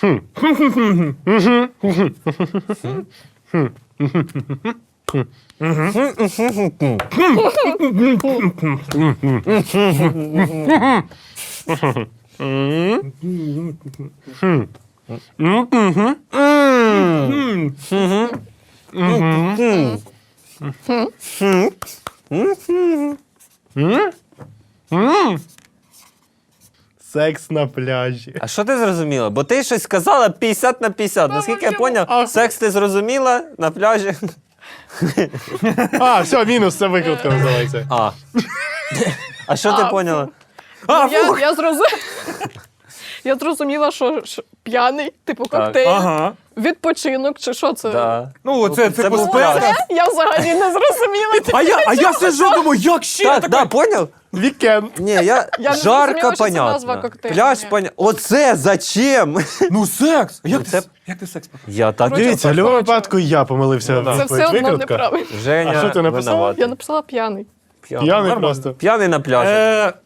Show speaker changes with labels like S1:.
S1: Секс на пляжі.
S2: А що ти зрозуміла? Бо ти щось сказала 50 на 50. Наскільки я поняв, секс ти зрозуміла на пляжі.
S1: А, все, мінус, це викрутка називається.
S2: А що ти поняла?
S3: Я зрозуміла, що п'яний, типу коктейль,
S4: Ага.
S3: відпочинок, чи що це?
S2: Да.
S4: Ну, це типу
S2: був
S4: спека.
S2: пляж.
S3: Я взагалі не зрозуміла.
S4: А я сижу, думаю, як ще
S2: Так,
S4: таке?
S2: да, поняв?
S1: Вікенд.
S2: Ні, я
S3: не
S2: жарко
S3: зрозуміла, що це назва
S2: понятно.
S3: коктейлю.
S2: Пляж
S3: Ні.
S2: понятно. Оце зачем?
S4: Ну, секс.
S2: це-
S4: Як ти секс показав?
S2: Я так
S1: Дивіться, в будь-якому випадку я помилився.
S3: Це все одно неправильно.
S2: Женя
S1: А що ти написав?
S2: винуватий.
S3: Я написала п'яний.
S1: П'яний просто.
S2: П'яний на пляжі.